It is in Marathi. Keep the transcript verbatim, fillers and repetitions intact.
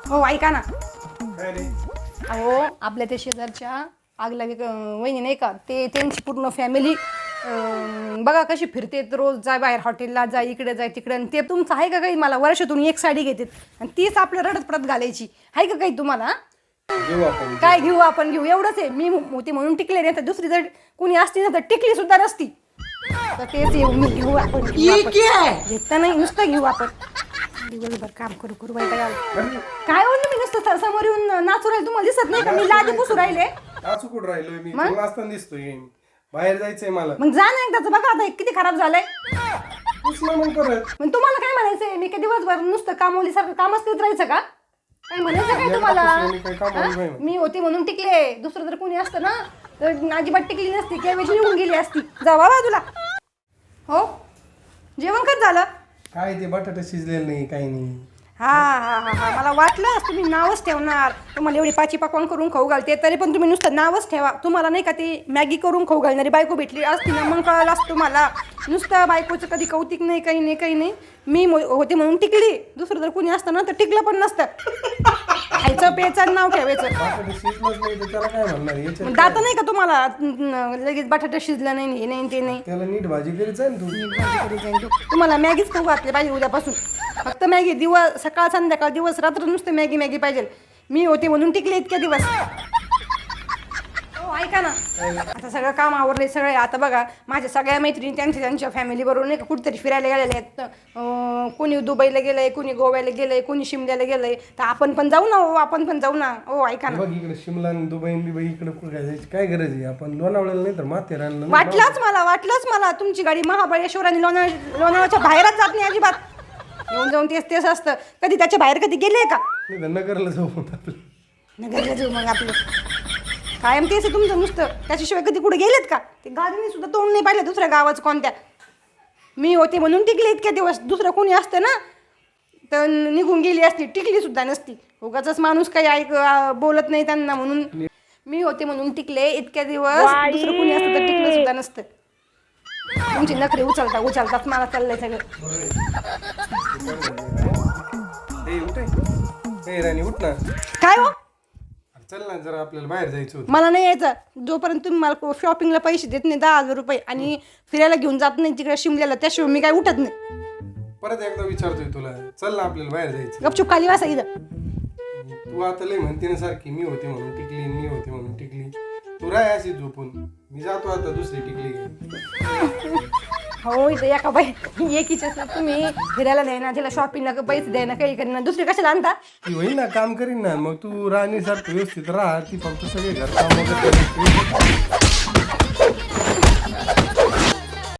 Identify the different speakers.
Speaker 1: हो ऐका ना.
Speaker 2: काय रे?
Speaker 1: अहो आपल्या त्या शेजारच्या आगला वहिनी नाही का, ते त्यांची पूर्ण फॅमिली बघा कशी फिरते, रोज जाय बाहेर हॉटेलला जाय, इकडे जाय तिकडे. आणि ते तुमचं आहे का काही? मला वर्षातून एक साडी घेतात आणि तीच आपल्या रडत परत घालायची आहे का काही तुम्हाला?
Speaker 2: घेऊ आपण.
Speaker 1: काय घेऊ आपण? घेऊ एवढंच आहे. मी होती म्हणून टिकले नाही तर दुसरी जर कोणी असती ना तर टिकली सुद्धा नसती. तर तेच येऊ मी घेऊ आपण. घेता नाही नुसतं घेऊ आपण. दिवसभर काम करू करू बाई काय काय बोललो मी? नुसतं समोर येऊन नाचू राहिले, तुम्हाला दिसत नाही का मी लादी पुसू राहिले?
Speaker 2: नाचू कुठं राहिलोय मी? तुला असताना दिसतोय. बाहेर जायचंय मला.
Speaker 1: मग जा ना एकदाच, बघा आता हे किती खराब झालंय.
Speaker 2: पुसलं मग परत.
Speaker 1: मग तुम्हाला काय म्हणायचंय? मी काय दिवसभर नुसतं कामवलीसारखं कामच करत राहायचं का? काय म्हणायचं काय तुम्हाला?
Speaker 2: काही काम नाही
Speaker 1: हा?
Speaker 2: बाई.
Speaker 1: मी होती म्हणून टिकले, दुसरं जर कोणी असतं ना तर अजिबात टिकली नसती, केव्हाची निघून गेली असती. जा बाबा तुला. हो जेवण कच झालं?
Speaker 2: काय ते बटाटा शिजलेलं नाही, काही नाही.
Speaker 1: हा हा हा हा मला वाटलं तुम्ही नावच ठेवणार. तुम्हाला एवढी पाची पकवान करून खाऊ घालते तरी पण तुम्ही नुसतं नावच ठेवा. तुम्हाला नाही का ती मॅगी करून खाऊ घालणारी बायको भेटली असती ना मग कळलं असतं तुम्हाला. नुसतं बायकोचं कधी कौतिक नाही, काही नाही काही नाही. मी होते म्हणून टिकली, दुसरं जर कोणी असतं ना तर टिकलं पण नसतं. खायचं प्यायचं नाव ठेवायचं.
Speaker 2: बटाटा शिजलंच नाही तर त्याला काय म्हणणार? याच्यात
Speaker 1: दात नाही का तुम्हाला? लगेच बटाटा शिजला नाही, हे नाही ते नाही.
Speaker 2: त्याला नीट भाजी करीत जाय ना तू.
Speaker 1: तुम्हाला मॅगीच खाऊ घातली पाहिजे उद्यापासून. फक्त मॅगी दिवस, सकाळ संध्याकाळ दिवस रात्र नुसतं मॅगी मॅगी पाहिजे. मी होते म्हणून टिकले इतक्या दिवस. हो ऐका ना, आता सगळं काम आवरले सगळे. आता बघा माझ्या सगळ्या मैत्रिणी त्यांच्या त्यांच्या फॅमिली बरोबर नाही का कुठेतरी फिरायला गेलेले आहेत. कोणी दुबईला गेलंय, कोणी गोव्याला गेलंय, कोणी शिमल्याला गेलंय. तर आपण पण जाऊ ना हो, आपण पण जाऊ ना हो. ऐका ना,
Speaker 2: बघ इकडे शिमला आणि दुबई बिबई इकडे कुठे काय जायची काय गरज आहे? आपण लोणावळ्याला नाही तर माथेरानला नाही.
Speaker 1: वाटलंच मला वाटलंच मला तुमची गाडी महाबळेश्वर आणि लोणावळा लोणावळ्याच्या बाहेरच जात नाही अजिबात. येऊन जाऊन तेच तेच असतं. कधी त्याच्या बाहेर कधी गेले का?
Speaker 2: नाही तर नगरला जाऊ आपलं.
Speaker 1: नगरला जाऊ मग आपलं. कायम तेच आहे तुमचं नुसतं. त्याच्याशिवाय कधी कुठे गेलेत का? ते गाडीने सुद्धा तोंड नाही पाहिलं दुसऱ्या गावाचं कोणत्या. मी होते म्हणून टिकले इतक्या दिवस. दुसरं कोणी असतं ना तर निघून गेली असती, टिकली सुद्धा नसती. उगाचच माणूस काही ऐक बोलत नाही त्यांना म्हणून. मी होते म्हणून टिकले इतक्या दिवस. दुसरं कोणी असतं तर टिकलं सुद्धा नसतं. तुमची नखरे उचलता उचलतात मला चाललंय सगळं.
Speaker 2: ए उठ ए राणी उठ ना.
Speaker 1: काय हो?
Speaker 2: चल ना जरा आपल्याला बाहेर जायचं होतं.
Speaker 1: मला नाही यायचं जोपर्यंत तुम्ही मला शॉपिंगला पैसे देत नाही दहा हजार रुपये आणि फिरायला घेऊन जात नाही तिकडे शिमल्याला, त्याशिवाय मी काय उठत नाही.
Speaker 2: परत एकदा विचारतोय तुला. चल ना आपल्याला बाहेर जायचं.
Speaker 1: गपचूप खाली वासा इथं.
Speaker 2: तू आता लय म्हणते ना सारखी मी होते म्हणून टिकली, मी होते म्हणून टिकली. तू राय अशी झोपून. मी जातो आता दुसरी टिकली घे.
Speaker 1: हो इथं एका बाई एकीच्या तुम्ही फिरायला द्यायना, तिला शॉपिंगला पैसे द्यायना, काही करीना, दुसरी कशाला आणता?
Speaker 2: ती होईल ना काम करीन ना. मग तू राणी सारखं व्यवस्थित राहा. ती फक्त सगळे घर काम वगैरे